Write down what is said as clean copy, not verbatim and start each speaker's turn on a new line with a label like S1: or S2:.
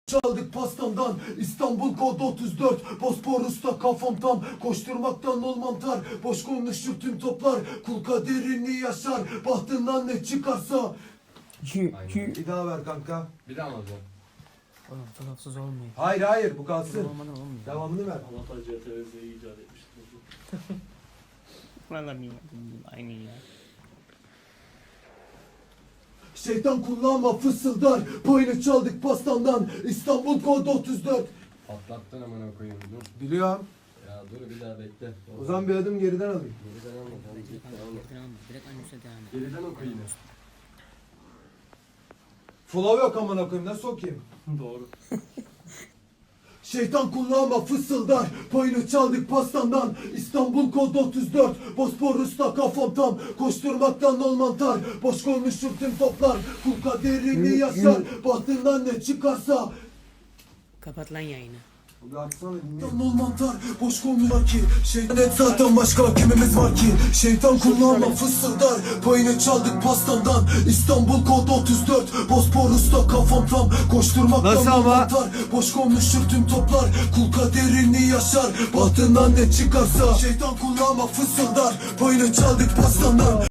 S1: Çaldık pastamdan, İstanbul kod 34. Bosporus'ta kafam tam, koşturmaktan ol mantar. Boş konuşur tüm toplar, kul kaderini yaşar. Bahtından ne çıkarsa. Bir daha ver kanka.
S2: Bir daha mı alacağım?
S3: Oğlum tarafsız olmuyor.
S1: Hayır bu kalsın.
S3: Olmadan olmuyor.
S1: Devamını ver.
S4: Allah CTRZ'yi icat etmiştir.
S3: Valla bilmiyorum. Aynı ya.
S1: Şeytan kullanma fısıldar, payını çaldık pastandan. İstanbul kod 34.
S2: Patlattın amına koyayım dur.
S1: Biliyorum.
S2: Ya dur bir daha bekle.
S1: O zaman bir adım geriden alayım.
S2: Geriden alma. Tamam, git, devam et.
S3: Direkt aynı üstüne devam et.
S2: Geriden oku yine.
S1: Flow yok amına koyayım, nasıl okuyayım?
S4: Doğru.
S1: Şeytan kulağıma fısıldar, payını çaldık pastandan. İstanbul kod 34. Bosporus'ta kafam tam, koşturmaktan ol mantar. Boş konuşur tüm toplar, kul kaderini yaşar. Bahtından ne çıkarsa.
S3: Kapat lan yayını.
S1: Bir açsana dinle. Ol mantar, boş konuşma ki. Şeytan et zaten başka kimimiz var ki. Şeytan kulağıma fısıldar, payını çaldık pastandan. İstanbul kod 34. Bosporus'ta kafam tam, koşturmaktan ol mantar. Boş konuşur tüm toplar, kul kaderini yaşar. Bahtından ne çıkarsa. Şeytan kulağıma fısıldar, payını çaldık pastandan.